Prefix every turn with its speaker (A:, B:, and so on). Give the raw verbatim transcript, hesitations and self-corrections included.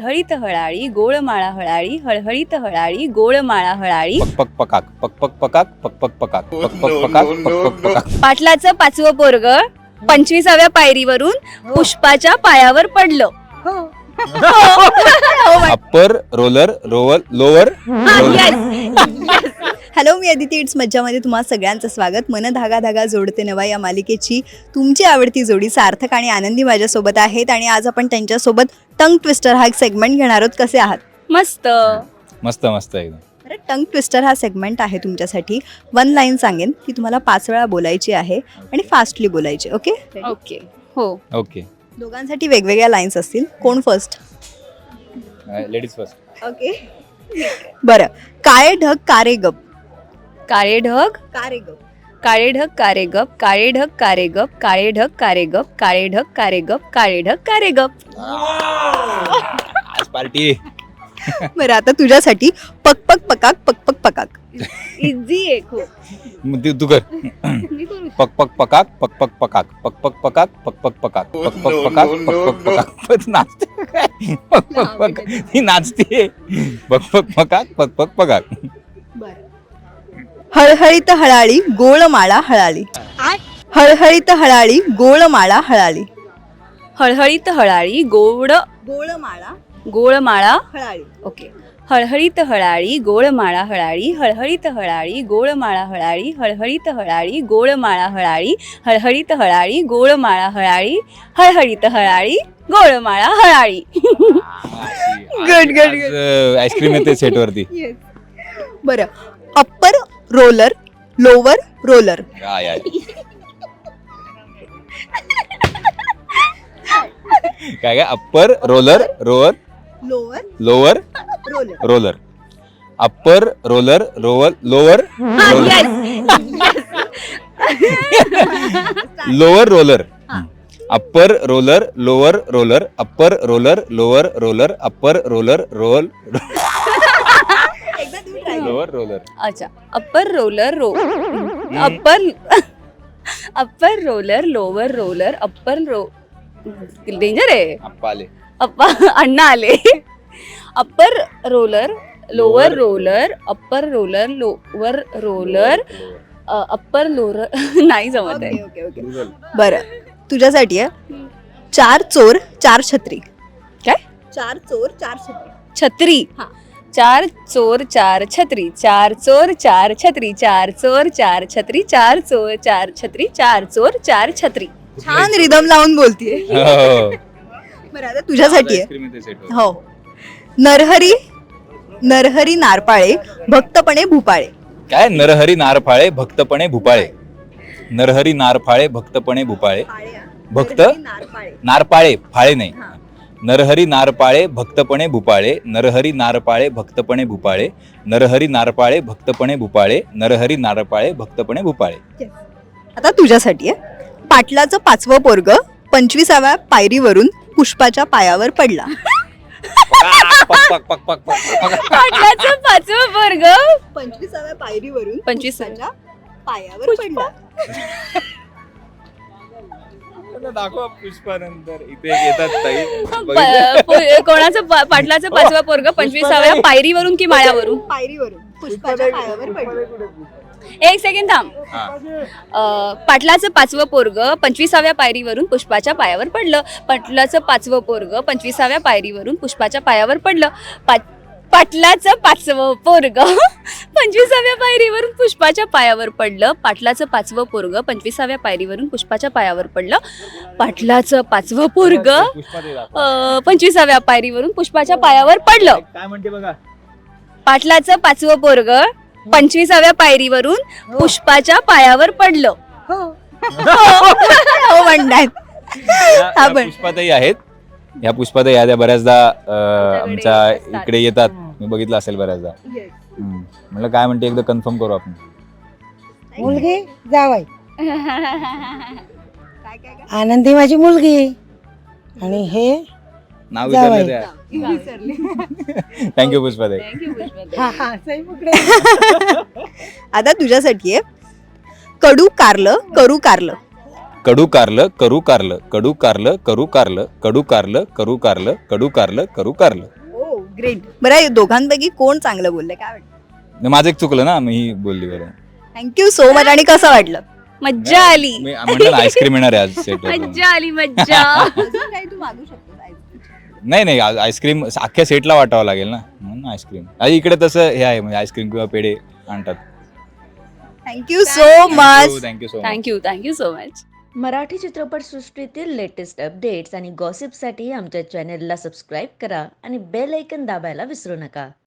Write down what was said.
A: हळहळीत हळाळी गोळमाळा हळाळी हळहळीत हळाळी गोळमाळा हळाळी
B: पक पक पकाक पक पक पकाक पक पक पकाक पक पक पकाक पक पक पकाक.
A: पाटलाचं पाचवं पोरग पंचवीसाव्या पायरीवरून पुष्पाच्या पायावर पडलं.
B: Upper roller rover lower
C: hello, मी अदिती. इट्स मज्जामध्ये तुम्हा सगळ्यांचं स्वागत. मन धागा धागा जोडते नवा या मालिकेची तुमची आवडती जोडी सार्थक आणि आनंदी माझ्यासोबत आहेत आणि आज आपण त्यांच्यासोबत टंग ट्विस्टर हा एक सेगमेंट घेणार आहोत. कसे आहात?
A: मस्त
B: मस्त मस्त एकदम.
C: बरं, टंग ट्विस्टर हा सेगमेंट आहे तुमच्यासाठी. वन लाईन सांगेन की तुम्हाला पाच वेळा बोलायची आहे आणि फास्टली बोलायची. ओके
A: ओके हो
B: ओके.
C: दोघांसाठी वेगवेगळ्या लाईन्स असतील. कोण फर्स्ट?
B: Ladies first.
C: ओके बरं. काळे ढग कारे गप.
A: काळे ढग
C: कारे गप.
A: काळे ढग कारे गप काळे ढग कारे गप काळे ढग कारे गप काळे ढग कारे गप काळे ढग कारे गप.
B: आज पार्टी.
C: बरं, आता तुझ्यासाठी पक पक पकाक पक पक पकाक.
A: इझी आहे खूप.
B: तू तू कर. पक पक पकाक पक पक पकाक पक पक पकाक पक पक पकाक पक पक पकाक पक पक पकाक. नाचते काय? पक पक पक ही नाचते. पक पक पकाक पक पक पकाक.
C: हळहळीत हळाळी गोळमाळा हळाळी. हळहळीत हळाळी गोळमाळा हळाळी.
A: हळहळीत हळाळी गोड
C: गोळमाळा
A: गोळमाळा
C: हळाळी.
A: ओके. हळहळीत हळाळी गोळमाळा हळाळी हळहळीत हळाळी गोळमाळा हळाळी हळहळीत हळाळी गोळमाळा हळाळी हळहळीत हळाळी गोळमाळा हळाळी हळहळीत हळाळी गोळमाळा हळाळी.
C: Good good good.
B: आईस्क्रीम येते सेट वरती.
C: बरं. Upper roller lower roller.
B: काय आहे? काय काय? Upper roller rover
C: lower
B: lower
C: roller.
B: Roller. Upper roller rover lower lower roller. Upper roller lower roller upper roller lower roller upper roller roll lower roller.
A: अच्छा. Upper roller row upper upper roller lower roller upper row danger आहे.
B: अप्पा आले.
A: अप्पा अण्णा आले. Upper roller lower roller upper roller lower roller upper lower नाही जमत आहे.
C: Okay okay okay. बरं, तुझ्यासाठी आहे चार चोर चार छत्री.
A: काय?
C: चार चोर चार छत्री.
A: छत्री.
C: हा.
A: चार चोर चार छत्री चार चोर चार छत्री चार चोर चार छत्री चार चोर चार छत्री चार चोर चार छत्री.
C: छान रिदम लावून बोलतीये.
B: हो.
C: बरं, आता तुझ्यासाठी आहे.
B: आईस्क्रीम येते set वर.
C: हो. नरहरी नरहरी नारपाळे भक्तपणे भूपाळे.
B: काय? नरहरी नारफाळे भक्तपणे भूपाळे. नरहरी नारफाळे भक्तपणे भूपाळे. भक्त नारपाळे फाळे नाही. नरहरी नारपाळे भक्तपणे भूपाळे नरहरी नारपाळे भक्तपणे भूपाळे नरहरी नारपाळे भक्तपणे भूपाळे नरहरी नारपाळे भक्तपणे भूपाळे.
C: आता तुझ्यासाठी आहे पाटलाचं पाचवं पोरग पंचवीसाव्या पायरीवरून पुष्पाच्या पायावर पडला.
B: पक पक पक पक पक.
A: पाटलाचं पाचवं वर्ग
C: पंचवीसाव्या पायरीवरून
A: पंचवीसाव्या
C: पायावर पडला.
B: दाखवा पुष्पानंतर इथे येतात ताई.
A: प- प- कोणाचं पा- पाटलाचं पाचवा पोरग पंचवीसाव्या पायरीवरून की माळ्यावरून?
C: पायरीवरून पुष्पाच्या पायावर पडला.
A: एक सेकंड थांब. अं, पाटलाचं पाचवं पोरग पंचवीसाव्या पायरीवरून पुष्पाच्या पायावर पडलं. पाटलाचं पाचवं पोरग पंचवीसाव्या पायरीवरून पुष्पाच्या पायावर पडलं. पा- पाटलाचं पाचवं पोरग पंचवीसाव्या पायरीवरून पुष्पाच्या पायावर पडलं. पाटलाचं पाचवं पोरग पंचवीसाव्या पायरीवरून पुष्पाच्या पायावर पडलं. पाटलाचं पाचवं पोरग अं, पंचवीसाव्या पायरीवरून पुष्पाच्या पायावर पडलं.
B: काय म्हणते बघा.
A: पाटलाचं पाचवं पोरग पंचवीसाव्या पायरीवरून पुष्पाच्या पायावर पडलं.
C: हो म्हणतात.
B: या-
C: हा
B: या
C: पण.
B: पुष्पाताई आहेत. ह्या पुष्पाताई या बऱ्याचदा अं, आमच्या इकडे येतात. मी बघितलं असेल बऱ्याचदा. हम्म. म्हणलं काय म्हणते एकदा कन्फर्म करू आपण.
D: मुलगी जावाय
C: काय काय काय
D: आनंदी माझी मुलगी आणि हे
B: नाव
D: जावई.
B: विचारलं त्या. थँक्यू पुष्पाताई.
D: हा हा सही पकडे.
C: आता तुझ्यासाठी आहे कडू कारलं करू कारलं.
B: कडू कारलं करू कारलं कडू कारलं करू कारलं कडू कारलं करू कारलं कडू कारलं करू कारलं.
C: ओ ग्रेट. बरं या दोघांपैकी कोण चांगलं बोललंय काय वाटतं?
B: माझं एक चुकलं ना, मी ही बोलली बरं.
C: Thank you so much. आणि कसं वाटलं?
A: मज्जा आली.
B: मी म्हटलं ना आईस्क्रीम येणार आहे आज सेट.
A: मज्जा आली मज्जा.
C: अजून काही तू मागू शकतो
B: नाही नाही आ- आईस्क्रीम अख्ख्या सेटला वाटावं लागेल ना, म्हणून आईस्क्रीम. आणि इकडे तसं हे आहे म्हणजे आईस्क्रीम किंवा पेढे आणतात.
C: Thank you so much.
B: Thank you so much.
A: Thank you thank you so much.
E: Marathi चित्रपटसृष्टीतील लेटेस्ट अपडेट्स आणि गॉसिपसाठी आमच्या चॅनेलला सबस्क्राईब करा आणि बेल ऐकन दाबायला विसरू नका.